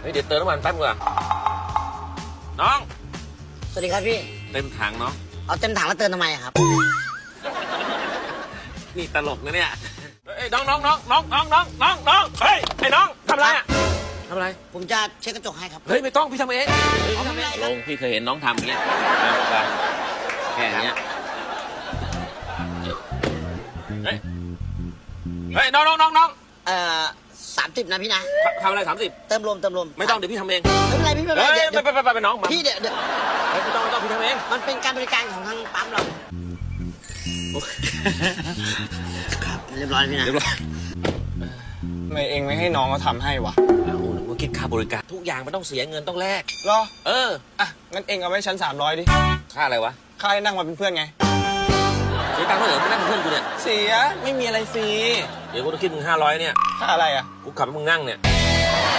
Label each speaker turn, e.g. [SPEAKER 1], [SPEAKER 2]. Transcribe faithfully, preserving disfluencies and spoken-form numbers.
[SPEAKER 1] ฮ้ยเดี๋ยวเติมน้ำมันแป๊บนึงอะน้อง
[SPEAKER 2] สวัสดีครับพี่
[SPEAKER 1] เต็มถังเนาะ
[SPEAKER 2] เอาเต็มถังแล้วเติมทำไมอะครับ
[SPEAKER 1] นี่ตลกนะเนี่ยเฮ้ยน้องน้องน้องน้องน้องน้องน้องน้องเฮ้ยไอ้น้องทำอะไรอะทำอะไร
[SPEAKER 2] ผมจะเช็ดกระจกให้ครับ
[SPEAKER 1] เฮ้ยไม่ต้องพี่ทำเอง
[SPEAKER 2] เอาไม่เป็นไรครับ
[SPEAKER 1] ลงพี่เคยเห็นน้องทำอย่างเงี้ยไปแค่เนี้ยเฮ้ยเฮ้ยน้องน้องน้องน้อง
[SPEAKER 2] เอ่อสามสิบนะพี่นะ
[SPEAKER 1] ทำอะไรสามสิบ
[SPEAKER 2] เติมลมเติมลม
[SPEAKER 1] ไม่ต้องเดี๋ยวพี่ทำเอง
[SPEAKER 2] ไม่เป็นไรพี่ไม่เป็น
[SPEAKER 1] เฮ้
[SPEAKER 2] ไร
[SPEAKER 1] ย
[SPEAKER 2] เดี๋ยว
[SPEAKER 1] ไปไปไปไปน้องมา
[SPEAKER 2] พี่เดี๋ยวเดี๋ยว
[SPEAKER 1] เฮ้ยไม่ต้องไม่ต้องพี่ทำเอง
[SPEAKER 2] มันเป็นการบริการของทางปั๊มเราครับเรียบร้อยพี่นะ
[SPEAKER 1] เรียบร้อย
[SPEAKER 3] ทำไมเองไม่ให้น้องเขาทำให้วะ
[SPEAKER 1] โอ้โหนึกว่าคิดค่าบริการทุกอย่างมันต้องเสียเงินต้องแลก
[SPEAKER 3] เหรอ
[SPEAKER 1] เออ
[SPEAKER 3] อ่ะ งั้นเองเอาไว้ชั้นสามร้อยดิ
[SPEAKER 1] ค่าอะไรวะ
[SPEAKER 3] ค่าให้นั่งมาเป็นเพื่อนไง
[SPEAKER 1] เสียตังค์เท่าไหร่ไม่นั่งเป็นเพื่อนกูเนี่ย
[SPEAKER 3] เสีย ไม่มีอะไรฟรี
[SPEAKER 1] เดี๋ยวกูต้องคิดมึงห้าร้อยเนี่ย
[SPEAKER 3] ค่าอะไรอ่ะ
[SPEAKER 1] กูขับให้มึงนั่งเนี่ย